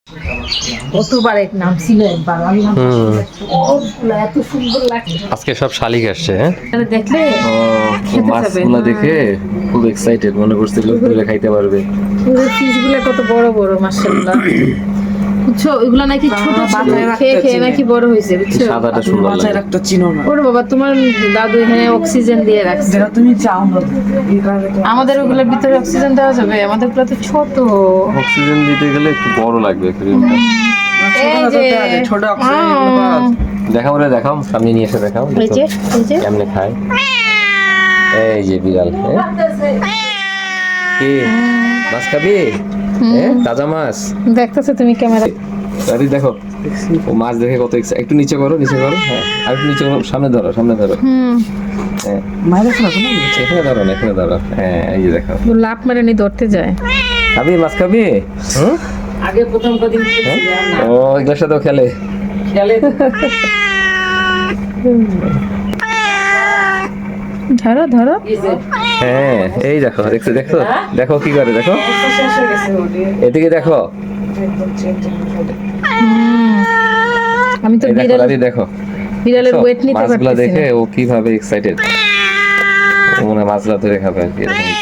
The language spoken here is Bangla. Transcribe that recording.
কতবার এক নাম ছিল একবার আমি এত সুন্দর লাগছে আজকে সব শালিক আসছে। হ্যাঁ, দেখলে মাছগুলো দেখে খুব এক্সাইটেড, মনে করছিল তুলে খাইতে পারবে। ফিশগুলো কত বড় বড় মাশাআল্লাহ। বুঝছো এগুলা নাকি ছোট ছিল, খেয়ে খেয়ে নাকি বড় হয়েছে বুঝছো। সাদাটা সুন্দর লাগে। একটা চিনো না ওরে বাবা তোমার দাদু এখানে অক্সিজেন দিয়ে রাখছে। যেটা তুমি চাও না আমাদের ওগুলোর ভিতরে অক্সিজেন দেওয়া যাবে? আমাদের গুলো তো ছোট। অক্সিজেন দিতে গেলে একটু বড় লাগবে ক্রিমটা। এই যে ছোট অক্সিজেন গুলো পাওয়া যায়। দেখাও রে, দেখাও, সামনে নিয়ে এসে দেখাও এই যে এই যে কেমনে খায়। এই যে বিড়াল। কি মাছ খাবি? তাজা মাছ দেখতেছো তুমি ক্যামেরা। আরে দেখো, ও মাছ দেখে কত একটু নিচে করো, নিচে করো। হ্যাঁ, আর একটু নিচে করো, সামনে ধরো, সামনে ধরো। হ্যাঁ, মাইরে শোনা শোনা এখানে ধরো না, এখানে ধরো। হ্যাঁ, এই যে দেখো। ও লাভ মেরে নি ধরতে যায়। খাবি মাছ খাবি? হুম, আগে প্রথম কদিন ও এগুলোর সাথেও খেলে। খেলে ধরো ধরো। হ্যাঁ, এই দেখো, দেখছো দেখো, দেখো কি করে, দেখো শেষ হয়ে গেছে ওটি এদিকে দেখো। আমি তো এই দেখো বিড়াল দাদি, দেখো বিড়ালের দেখছো? ওয়েট নিতে মাছগুলা পারতেছি দেখে না। ও কিভাবে এক্সাইটেড, ও মনে হয় মাছগুলা ধরে খাবে আর কি, এরকম